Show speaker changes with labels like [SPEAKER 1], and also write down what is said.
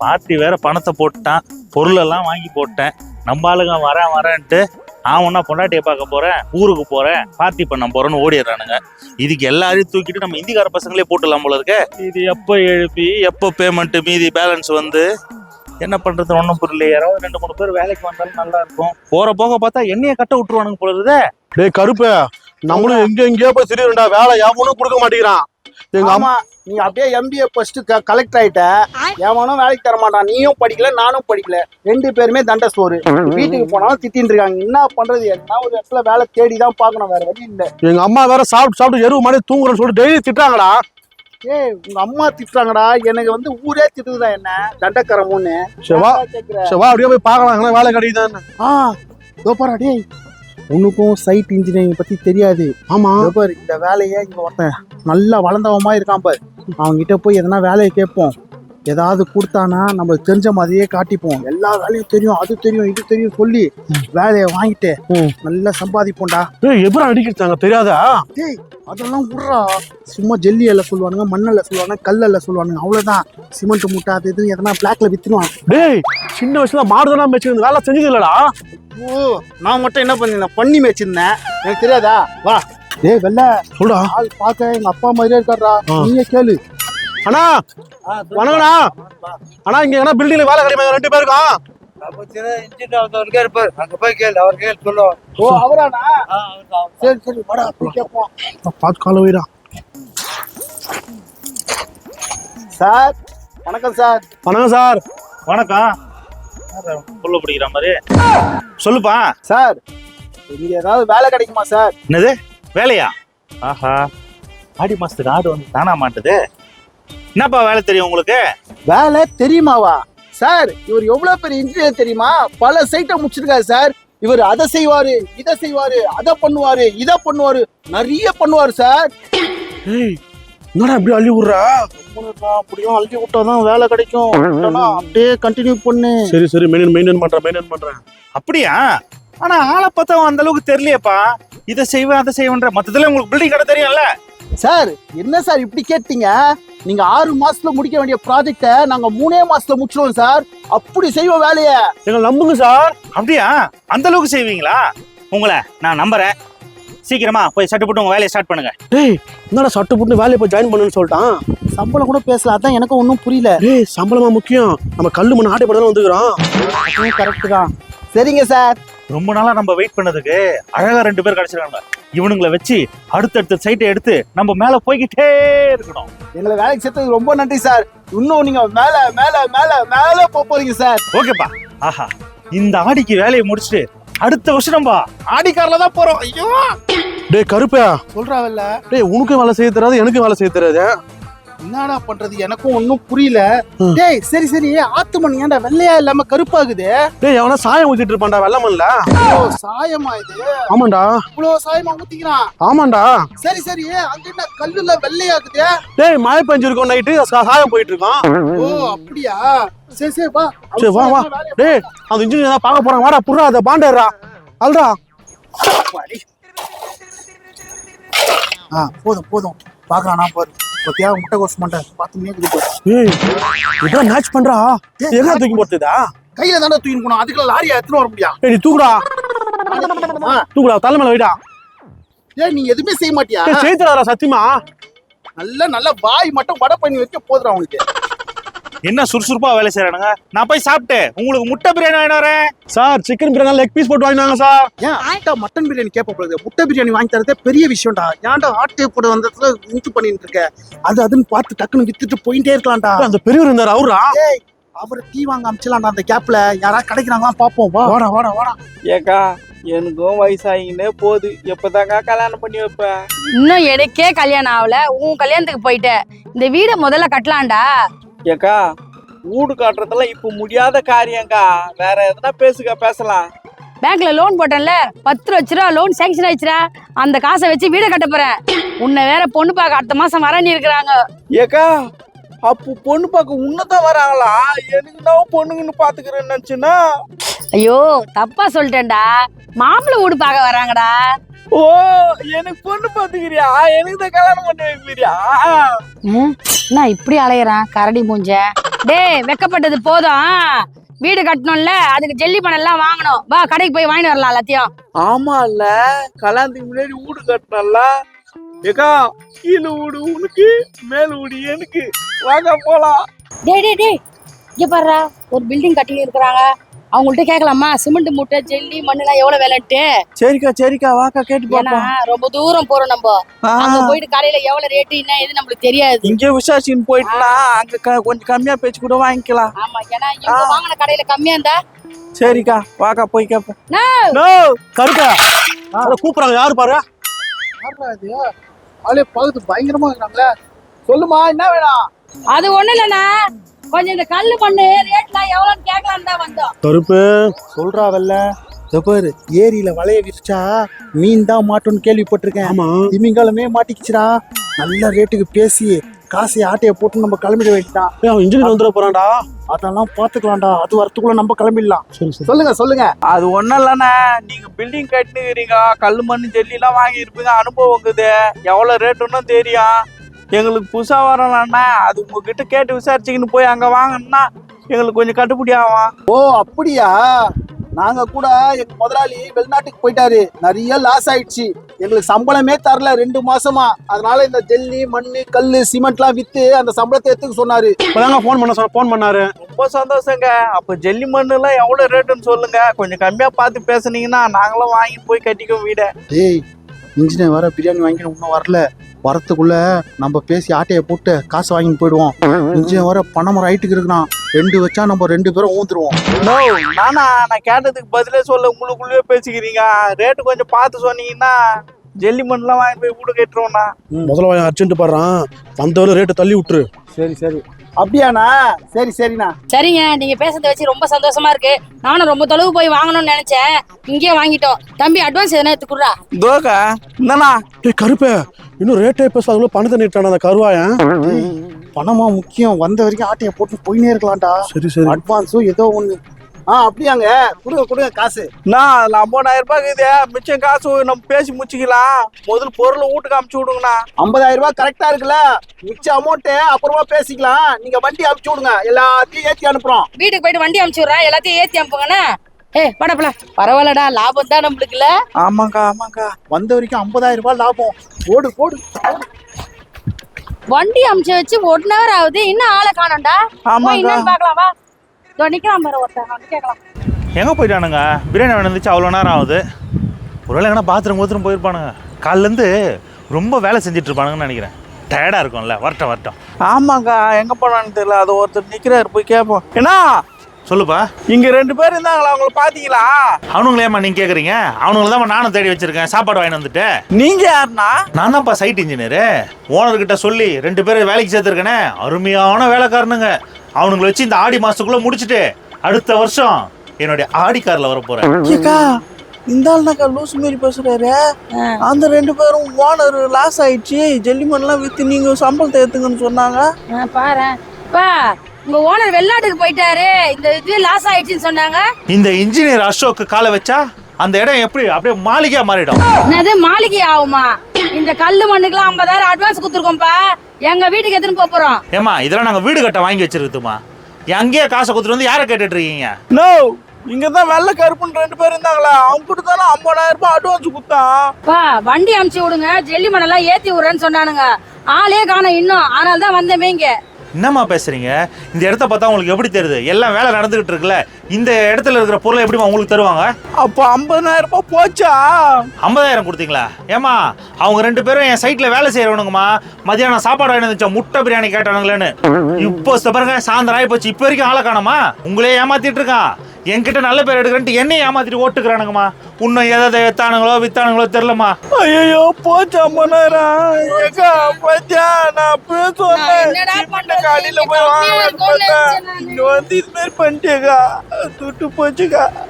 [SPEAKER 1] Party வேற பணத்தை போட்டான், பொருளெல்லாம் வாங்கி போட்டேன். நம்ம ஆளுங்க வரேன்ட்டு ஒன்னா பொண்டாட்டியை பார்க்க போறேன், ஊருக்கு போறேன், பார்ட்டி பண்ண போறேன்னு ஓடிடுறானுங்க. இதுக்கு எல்லாரையும் தூக்கிட்டு நம்ம இந்திக்கார பசங்களே போட்டுடலாம் போல இருக்க. இது எப்போ எழுப்பி எப்போ பேமெண்ட் மீதி பேலன்ஸ் வந்து என்ன பண்றது ஒன்றும் புரியல. யாராவது 2-3 பேர் வேலைக்கு வந்தாலும் நல்லா இருக்கும். போற போக பார்த்தா என்னைய கட்ட விட்டுருவானுங்க போல இருக்குதே.
[SPEAKER 2] டேய் கருப்பு, நம்மளும் எங்கேயோ போய் திடீர்டா வேலை எவனும் கொடுக்க மாட்டேங்கிறான். எங்க அம்மா
[SPEAKER 3] நீ அப்படியே எம்பிஏ ஃபர்ஸ்ட் கலெக்டர் ஆயிட்ட, எவனும் வேலைக்கு தர மாட்டான். நீயும் படிக்கல நானும் படிக்கல, 2 பேருமே தண்ட சோறு. வீட்டுக்கு போனாலும் திட்டின்னு இருக்காங்க. என்ன பண்றது? என்ன ஒரு இடத்துல வேலை தேடிதான் பாக்கணும், வேற வழி இல்ல.
[SPEAKER 2] எங்க அம்மா வேற சாப்பிட்டு எருவு மாதிரி தூங்குறேன்னு சொல்லிட்டு டெய்லி திட்டாங்கடா.
[SPEAKER 3] ஏய் உங்க அம்மா திட்டுறாங்கடா, எனக்கு வந்து ஊரே திட்டுதா என்ன தண்டக்கரமுன்னு.
[SPEAKER 2] செவா அப்படியே போய் பாக்கலாம் வேலை கிடைக்குதான்னு.
[SPEAKER 3] பாரு டேய், உனக்கும் சைட் இன்ஜினியரிங் பத்தி தெரியாது.
[SPEAKER 2] ஆமா
[SPEAKER 3] பாரு, இந்த வேலையை இங்க ஒருத்தன் நல்லா வளர்ந்தவமா இருக்கான் பாரு, அவன்கிட்ட போய் எதனா வேலையை கேட்போம். ஏதாவது கொடுத்தானா நம்மளுக்கு தெரிஞ்ச மாதிரியே காட்டிப்போம். எல்லா வேலையும் தெரியும், அது தெரியும், இது தெரியும் சொல்லி வேலையை வாங்கிட்டு நல்லா சம்பாதிப்போம்டா.
[SPEAKER 2] எப்படி அடிக்கிறாங்க தெரியாதா?
[SPEAKER 3] டேய் அதெல்லாம் விட்றா, சும்மா ஜெல்லி எல்லாம் சொல்லுவானுங்க, மண்ணெல்லாம் சொல்லுவானுங்க, கல்லெல்லாம் சொல்லுவானுங்க, அவ்வளவுதான். சிமெண்ட் மூட்டை அது இது எதனா பிளாக்ல வித்துருவான்.
[SPEAKER 2] டேய் சின்ன வயசுல மாடுதான் மேய்ச்சிருந்து வேலை செஞ்சது இல்லடா.
[SPEAKER 3] ஓ நான் மட்டும் என்ன பண்ணிருந்தேன், பண்ணி மேய்ச்சிருந்தேன், எனக்கு தெரியாதா? வா டேய் வெள்ள
[SPEAKER 2] சொல்டா.
[SPEAKER 3] ஆள் பார்க்க எங்க அப்பா மாதிரியே இருக்காரா, நீயே கேளு.
[SPEAKER 2] அண்ணா வணக்கண்ணா. அண்ணா இங்க என்ன பில்டிங்ல வேலை கிடைக்குமா 2 பேருக்கும்?
[SPEAKER 3] ஓ அவரானா? சரி சரி வாடா போய் கேட்போம்.
[SPEAKER 2] பார்த்து கால வைடா.
[SPEAKER 3] சார் வணக்கம் சார்.
[SPEAKER 2] வணக்கம் சார்.
[SPEAKER 1] வணக்கம். புள்ள பிடிக்கிற மாதிரி சொல்லுப்பா.
[SPEAKER 3] சார் இங்க ஏதாவது வேலை கிடைக்குமா சார்?
[SPEAKER 1] என்னது வேலையா? ஆஹா, ஆடி மாசத்துக்கு ஆடு வந்து தானா மாட்டுது. என்னப்பா வேலை தெரியும் உங்களுக்கு?
[SPEAKER 3] வேலை தெரியுமாவா சார்? இவர் எவ்வளவு பெரிய இன்ஜினியர் தெரியுமா? பல சைட்டை முடிச்சிருக்காரு சார். இவர் அதை செய்வாரு, இதை செய்வாரு, அதை பண்ணுவாரு, இதை பண்ணுவாரு, நிறைய பண்ணுவாரு சார்.
[SPEAKER 2] என்னடா இப்படி அள்ளி விடுறா?
[SPEAKER 3] அப்படியும் அள்ளி விட்டாதான் வேலை கிடைக்கும். அப்படியே கண்டினியூ பண்ணு.
[SPEAKER 2] சரி மெயின்டைன் பண்றேன்.
[SPEAKER 1] அப்படியா? ஆனா ஆளை பார்த்தா அந்த அளவுக்கு தெரியலையேப்பா. இதை செய்வேன் அதை செய்வேன்ற மொத்தத்துல உங்களுக்கு பில்டிங் கடை தெரியும்ல
[SPEAKER 3] சார். என்ன சார் இப்படி கேட்டீங்க? நீங்க 6 மாசத்துல முடிக்க வேண்டிய ப்ராஜெக்ட நாங்க 3 மாசத்துல முடிச்சிருவோம் சார். அப்படி செய்வோம் வேலைய,
[SPEAKER 2] எங்களை நம்புங்க சார்.
[SPEAKER 1] அப்படியா? அந்த அளவுக்கு செய்வீங்களா? உங்களை நான் நம்புறேன். சீக்கிரமா போய் சட்டு போட்டு உங்க வேலையை ஸ்டார்ட் பண்ணுங்க.
[SPEAKER 2] டேய் என்னடா சட்டு போட்டு வேலையை போய் ஜாயின் பண்ணுன்னு சொல்லிட்டான்.
[SPEAKER 3] சம்பளம் கூட பேசல, அதான் எனக்கு ஒன்றும் புரியல.
[SPEAKER 2] டேய் சம்பளமா முக்கியம், நம்ம கல்லு மண்ணு ஆட்டை படம் வந்துக்கிறோம்.
[SPEAKER 3] கரெக்ட் தான். சரிங்க சார்.
[SPEAKER 1] ரொம்ப நாளா நம்ம வெயிட் பண்ணதுக்கு அழகா 2 பேர் கிடைச்சிருக்காங்க. இவனுங்களை வச்சு அடுத்தடுத்த சைட்டை எடுத்து நம்ம மேல போய்கிட்டே இருக்கணும்.
[SPEAKER 3] எங்களை வேலைக்கு சேர்த்தது ரொம்ப நன்றி சார். இன்னும் நீங்க மேல மேல மேல மேல போறீங்க சார்.
[SPEAKER 1] ஓகேப்பா. ஆஹா, இந்த ஆடிக்கு வேலையை முடிச்சுட்டு அடுத்த வருஷம் நம்ம ஆடிக்காரில தான் போறோம். ஐயோ
[SPEAKER 2] டேய் கருப்பா
[SPEAKER 3] சொல்றாவல்ல.
[SPEAKER 2] டேய் உனக்கும் வேலை செய்ய தெரியாது, எனக்கு வேலை செய்ய தெரியாது.
[SPEAKER 3] என்னடா பண்றது, எனக்கும் ஒன்னும் புரியல. டேய் சரி சரி, ஆத்து மண் ஏன்டா வெள்ளையா இல்லாம கருப்பாகுது?
[SPEAKER 2] டேய் அவனா சாயம் ஊத்திட்டு இருப்பான்டா வெள்ளை மண்ல.
[SPEAKER 3] சாயமா இது?
[SPEAKER 2] ஆமாண்டா.
[SPEAKER 3] இவ்வளவு சாயமா ஊத்திக்கிறான்?
[SPEAKER 2] ஆமாண்டா.
[SPEAKER 3] சரி சரி, அங்க என்ன கல்லுல வெள்ளையாகுது?
[SPEAKER 2] டேய் மழை பெஞ்சிருக்கோம், நைட்டு சாயம் போயிட்டு இருக்கான்.
[SPEAKER 3] ஓ அப்படியா? சரி சரி வா.
[SPEAKER 2] சரி வா வா. டேய் அந்த இன்ஜினியர் தான் பார்க்க போறான், வாடா புறா அத பாண்டேறா அல்டா.
[SPEAKER 3] போதும் போதும் பாக்குறானா பாரு. பத்தியா முட்டை கோஸ் மாட்டேன் பாத்துமே இருக்கு.
[SPEAKER 2] ஏய் இதான் மேட்ச் பண்றா. எங்க தூக்கி போட்டுதா?
[SPEAKER 3] கையில தானே தூக்கி போணும், அதுக்குள்ள லாரியா எடுத்துட்டு வர முடியா?
[SPEAKER 2] ஏய் நீ தூக்குடா தூக்குடா, தலை மேல வைடா.
[SPEAKER 3] ஏய் நீ எதுவுமே செய்ய மாட்டியா?
[SPEAKER 2] செய்யறா சத்தியமா.
[SPEAKER 3] நல்ல வாய் மட்டும் வடை பண்ணி வைக்க போதுடா உனக்கு.
[SPEAKER 1] என்ன சுறுசுறுப்பா வேலை செய்யறானுங்க. நான் போய் சாப்பிட்டு உங்களுக்கு முட்டை பிரியாணி வாங்கிட்டு வரேன்.
[SPEAKER 2] Sir chicken biryani leg piece போட்டு வாங்கினாங்க சார்.
[SPEAKER 3] ஏன் ஆட்டா மட்டன் பிரியாணி கேட்ப போகுது, முட்டை பிரியாணி வாங்கி தரதே பெரிய விஷயம்டா. ஏன்டா ஆட்டை போட வந்ததுல இன்ட்டு பண்ணிட்டு இருக்க? அதுன்னு பார்த்து டக்குன்னு வித்துட்டு போயிட்டே இருக்கலாம்டா.
[SPEAKER 2] அந்த பெரியவர் இருந்தாரு அவரா?
[SPEAKER 3] ஏய் அவரை டீ வாங்க அமிச்சலாம்டா. அந்த கேப்ல யாராவது கிடைக்கிறாங்களா பாப்போம். வா வாடா வாடா வாடா.
[SPEAKER 4] ஏக்கா எனக்கும் வயசாகினே போகுது, எப்பதாங்க கல்யாணம் பண்ணி வைப்பேன்?
[SPEAKER 5] இன்னும் எனக்கே கல்யாணம் ஆகல, உன் கல்யாணத்துக்கு போயிட்ட. இந்த வீடை முதல்ல கட்டலாம்டா.
[SPEAKER 4] ஏக்கா வீடு காட்டுறதெல்லாம் இப்ப முடியாத காரியம்க்கா, வேற எதனா பேசலாம்.
[SPEAKER 5] பேங்க்ல லோன் போட்டேன்ல, 10 லட்ச ரூபா லோன் சேங்ஷன் ஆயிடுச்சுடா. அந்த காசை வச்சு வீடை கட்ட போறேன். உன்னை வேற பொண்ணு பார்க்க அடுத்த மாசம் வரன்னு இருக்கிறாங்க.
[SPEAKER 4] ஏக்கா அப்போ பொண்ணு பார்க்க உன்னதான் வராங்களா? எனக்கு நான் பொண்ணுங்கன்னு பாத்துக்கிறேன்னு நினைச்சுன்னா.
[SPEAKER 5] ஐயோ தப்பா சொல்லிட்டேன்டா, மாப்பிள்ளை வீடு பார்க்க வராங்கடா.
[SPEAKER 4] ஓ எனக்கு பொண்ணு பாத்துக்கிறியா? எனக்கு தான் கல்யாணம் பண்ணி வைக்கிறியா?
[SPEAKER 5] நான் இப்படி அலையிறேன் கரடி மூஞ்ச. டேய் வெக்கப்பட்டது போதும். வீடு கட்டணும்ல, அதுக்கு ஜெல்லி மணல் எல்லாம் வாங்கணும். வா கடைக்கு போய் வாங்கிட்டு வரலாம் எல்லாத்தையும்.
[SPEAKER 4] ஆமா இல்ல, கல்யாணத்துக்கு முன்னாடி வீடு கட்டினல ஏக்கா, கீழே வீடு உனக்கு, மேல வீடு எனக்கு. வாங்க போலாம்.
[SPEAKER 5] டேய் டேய் டேய், இங்க பாருடா, ஒரு பில்டிங் கட்டி இருக்கிறாங்க. அவங்கள்ட்ட கேட்கலாமா சிமெண்ட் மூட்டை ஜெல்லி மண்ணெல்லாம் எவ்வளவு விலைன்ட்டு?
[SPEAKER 4] சரிக்கா வாக்கா கேட்டு
[SPEAKER 5] ஏன்னா
[SPEAKER 4] பாப்போம்.
[SPEAKER 5] ரொம்ப தூரம் போறோம் நம்ம. அங்க போயிட்டு கடையில எவ்வளவு ரேட்டு என்ன எது நம்மளுக்கு தெரியாது.
[SPEAKER 4] இங்கே விசாரிச்சுன்னு போயிட்டுனா அங்க கொஞ்சம் கம்மியா பேச்சு கூட வாங்கிக்கலாம்.
[SPEAKER 5] ஆமா, ஏன்னா இவங்க வாங்கின கடையில கம்மியா இருந்தா.
[SPEAKER 4] சரிக்கா வாக்கா போய் கேப்போம்.
[SPEAKER 2] நோ கருப்பா அத கூப்பிடுறாங்க, யாரு பாரு.
[SPEAKER 3] யாருடா இது? ஆளே பார்த்து பயங்கரமா இருக்காங்களே. சொல்லுமா, என்ன வேணும்?
[SPEAKER 5] அது ஒண்ணு இல்லண்ணா, கொஞ்சம் இந்த கல்லு மண்ணு ரேட்லாம் எவ்வளவுன்னு கேட்கலான்னு தான் வந்தோம்.
[SPEAKER 2] கருப்பு
[SPEAKER 3] சொல்றா வெல்ல. பாரு, ஏரியில வலைய விரிச்சா மீன் தான் மாட்டோம்னு கேள்விப்பட்டிருக்கேன்.
[SPEAKER 2] ஆமா,
[SPEAKER 3] திமிங்காலமே மாட்டிக்கிச்சுடா. நல்ல ரேட்டுக்கு பேசி காசை ஆட்டைய போட்டு நம்ம கிளம்பிட வேண்டியதான்.
[SPEAKER 2] அவன் இன்ஜினியர் வந்துட போறான்டா.
[SPEAKER 3] அதெல்லாம் பாத்துக்கலாம்டா, அது வரத்துக்குள்ள நம்ம கிளம்பிடலாம்.
[SPEAKER 2] சரி சரி.
[SPEAKER 3] சொல்லுங்க.
[SPEAKER 4] அது ஒண்ணும் இல்லண்ணா, நீங்க பில்டிங் கட்டினுக்கிறீங்க, கல்லு மண்ணு ஜல்லி எல்லாம் வாங்கி இருப்பீங்க, அனுபவம் இருக்குது. எவ்வளவு ரேட்டுன்னு தெரியும். எங்களுக்கு புதுசா வரலாம்னா அது உங்ககிட்ட கேட்டு விசாரிச்சுக்கின்னு போய் அங்க வாங்கினா எங்களுக்கு கொஞ்சம் கட்டுப்படி ஆகும்.
[SPEAKER 3] ஓ அப்படியா? நாங்க கூட எங்க முதலாளி வெளிநாட்டுக்கு போயிட்டாரு, நிறைய லாஸ் ஆயிடுச்சு. எங்களுக்கு சம்பளமே தரல 2 மாசமா. அதனால இந்த ஜல்லி மண்ணு கல்லு சிமெண்ட் எல்லாம் வித்து அந்த சம்பளத்தை எடுத்துக்க சொன்னாரு.
[SPEAKER 2] இப்பதாங்க போன் பண்ணாரு.
[SPEAKER 4] ரொம்ப சந்தோஷங்க. அப்ப ஜல்லி மண்ணு எல்லாம் எவ்வளவு ரேட்டுன்னு சொல்லுங்க, கொஞ்சம் கம்மியா பார்த்து பேசுனீங்கன்னா நாங்களும் வாங்கிட்டு போய் கட்டிக்கோ வீட.
[SPEAKER 3] டேய், இன்ஜினியர் வர பிரியாணி வாங்கி இன்னும் வரல. வரத்துக்குள்ள நம்ம பேசி ஆட்டையை போட்டு காசு வாங்கிட்டு போயிடுவோம். இன்ஜினியர் வர பணமரம் ஹைட்டுக்கு இருக்கிறான். 2 வச்சா நம்ம 2 பேரும் ஊந்துருவோம்.
[SPEAKER 4] நான் கேட்டதுக்கு பதிலே சொல்ல உங்களுக்குள்ளேயே பேசிக்கிறீங்க. ரேட்டு கொஞ்சம் பார்த்து சொன்னீங்கன்னா ஜல்லி மண்ணுலாம் வாங்கி போய் வீடு கட்டுறோம்னா.
[SPEAKER 2] முதல்ல அர்ஜென்ட் பாடுறான், வந்தவரை ரேட்டு தள்ளி விட்டுரு.
[SPEAKER 3] சரி அப்படியாண்ணா? சரிண்ணா.
[SPEAKER 5] சரிங்க, நீங்க பேசுறத வச்சு ரொம்ப சந்தோஷமா இருக்கு. நானும் ரொம்ப தொலைவு போய் வாங்கணும்னு நினைச்சேன், இங்கேயே வாங்கிட்டோம். தம்பி அட்வான்ஸ் எதனா எடுத்துக்குறா.
[SPEAKER 4] தோக்கா என்னண்ணா?
[SPEAKER 2] டேய் கருப்பே, இன்னும் ரேட்டே பேசாத பணத்தை நீட்டான அந்த கருவாயன்.
[SPEAKER 3] பணமா முக்கியம், வந்த வரைக்கும் ஆட்டையை போட்டு போயினே இருக்கலாம்டா.
[SPEAKER 2] சரி.
[SPEAKER 3] அட்வான்ஸும் ஏதோ ஒண்ணு. அப்படியாங்க, கொடுங்க காசு.
[SPEAKER 4] அதுல 50,000 ரூபாய் இருக்குது. மிச்சம் காசு நம்ம பேசி முடிச்சுக்கலாம். முதல்ல பொருளை வீட்டுக்கு அமுச்சு விடுங்கண்ணா.
[SPEAKER 3] 50,000 ரூபாய் கரெக்டா இருக்குல்ல? மிச்ச அமௌண்ட் அப்புறமா பேசிக்கலாம். நீங்க வண்டி அமுச்சு விடுங்க, எல்லாத்தையும் ஏத்தி அனுப்புறோம்.
[SPEAKER 5] வீட்டுக்கு போயிட்டு வண்டி அமுச்சு விடுறேன், எல்லாத்தையும் ஏத்தி அனுப்புங்கண்ணா. படப்பல பரவாயில்லடா, லாபம் தான் நம்மளுக்குல.
[SPEAKER 4] ஆமாக்கா
[SPEAKER 3] வந்த வரைக்கும் 50,000 ரூபாய் லாபம். போடு.
[SPEAKER 5] வண்டி அமுச்சு வச்சு 1 ஹவர் ஆகுது, இன்னும் ஆளை காணோம்டா. என்னன்னு பாக்கலாம் வா. நிக்கலாம் பாரு, ஒருத்தர் கேட்கலாம்.
[SPEAKER 1] எங்கே போயிட்டானுங்க? பிரியாணி வந்துச்சு, அவ்வளோ நேரம் ஆகுது. ஒருவேளை எங்கன்னா பாத்ரூம் போயிருப்பானுங்க. காலிலேருந்து ரொம்ப வேலை செஞ்சுட்டு இருப்பானுங்கன்னு நினைக்கிறேன். டயர்டாக இருக்கும்ல. வரட்டும்.
[SPEAKER 4] ஆமாக்கா, எங்க போனான்னு தெரியல. அது ஒருத்தர் நிக்கிறாரு, போய் கேட்போம். என்ன
[SPEAKER 1] சொல்லுப்பா.
[SPEAKER 4] இங்க 2 பேர் இருந்தாங்களா, அவங்கள பாத்தீங்களா?
[SPEAKER 1] அவனுங்களேம்மா நீங்க கேக்குறீங்க? அவனுங்களை தான் நானும் தேடி வச்சிருக்கேன், சாப்பாடு வாங்கிட்டு வந்துட்டு.
[SPEAKER 4] நீங்க யாருண்ணா?
[SPEAKER 1] நான் தான்ப்பா சைட் இன்ஜினியரு. ஓனர்கிட்ட சொல்லி 2 பேரை வேலைக்கு சேர்த்துருக்கேனே, அருமையான வேலைக்காரனுங்க. அவனுங்களை வச்சு இந்த ஆடி மாசத்துக்குள்ள முடிச்சுட்டு அடுத்த வருஷம் என்னுடைய ஆடி கார்ல வர போறேன்.
[SPEAKER 4] இந்த ஆள்னாக்கா லூஸ் மாரி பேசுறாரு. அந்த 2 பேரும் ஓனர் லாஸ் ஆயிடுச்சு, ஜெல்லிமண்லாம் வித்து நீங்க சம்பளத்தை ஏத்துங்கன்னு சொன்னாங்க.
[SPEAKER 5] பாரு உங்க ஓனர் வெளிநாட்டுக்கு போயிட்டாரு, இந்த இது லாஸ் ஆயிடுச்சுன்னு சொன்னாங்க.
[SPEAKER 1] இந்த இன்ஜினியர் அசோக் காலை வச்சா அந்த இடம் எப்படி அப்படியே மாளிகையா மாறிடும்.
[SPEAKER 5] என்னது மாளிகை ஆகுமா? இந்த கல்லு மண்ணுக்குலாம் 50,000 அட்வான்ஸ் கொடுத்துருக்கோம்ப்பா. எங்க வீட்டுக்கு எடுத்துன்னு போறோம்.
[SPEAKER 1] ஏமா இதெல்லாம் நாங்க வீடு கட்ட வாங்கி வச்சிருக்குமா? அங்கேயே காசை கொடுத்துட்டு வந்து யாரை கேட்டுட்டு இருக்கீங்க?
[SPEAKER 4] நோ, இங்கதான் வெள்ளை கருப்புன்னு 2 பேர் இருந்தாங்களா, அவங்க கிட்ட தானே 50,000 ரூபாய் அட்வான்ஸ் கொடுத்தான்.
[SPEAKER 5] வண்டி அமுச்சு விடுங்க, ஜெல்லி மண்ணெல்லாம் ஏத்தி விடுறேன்னு சொன்னானுங்க. ஆளே காணோம் இன்னும், அதனால தான் வந்தமே இங்க.
[SPEAKER 1] என்னம்மா பேசுறீங்க? இந்த இடத்த பார்த்தா உங்களுக்கு எப்படி தெரியுது? எல்லாம் வேலை நடந்துகிட்டு இருக்குல்ல. இந்த இடத்துல இருக்கிற பொருளை எப்படி உங்களுக்கு தருவாங்க?
[SPEAKER 4] அப்போ 50,000 ரூபாய் போச்சா?
[SPEAKER 1] 50,000 கொடுத்தீங்களா? ஏமா அவங்க 2 பேரும் என் சைட்ல வேலை செய்யறவனுங்கம்மா. மதியானம் சாப்பாடு வாங்கிட்டு முட்டை பிரியாணி கேட்டானுங்களேன்னு. இப்போ பாருங்க, சாயந்தரம் ஆகி போச்சு, இப்போ வரைக்கும் ஆளை காணோமா? உங்களே ஏமாத்திட்டு இருக்கான். என்கிட்ட நல்ல பேர் எடுக்கிறேன்ட்டு என்னையும் ஏமாத்திட்டு ஓட்டுக்கிறானுங்கம்மா. இன்னும் எதை வித்தானுங்களோ தெரியலம்மா.
[SPEAKER 4] ஐயோ போச்சு 50,000. போச்சா? நான் அப்பவே சொன்னேன் காலையில போய் வாங்க, இங்க வந்து இது மாதிரி பண்ணிட்டேக்கா, துட்டு போச்சுக்கா.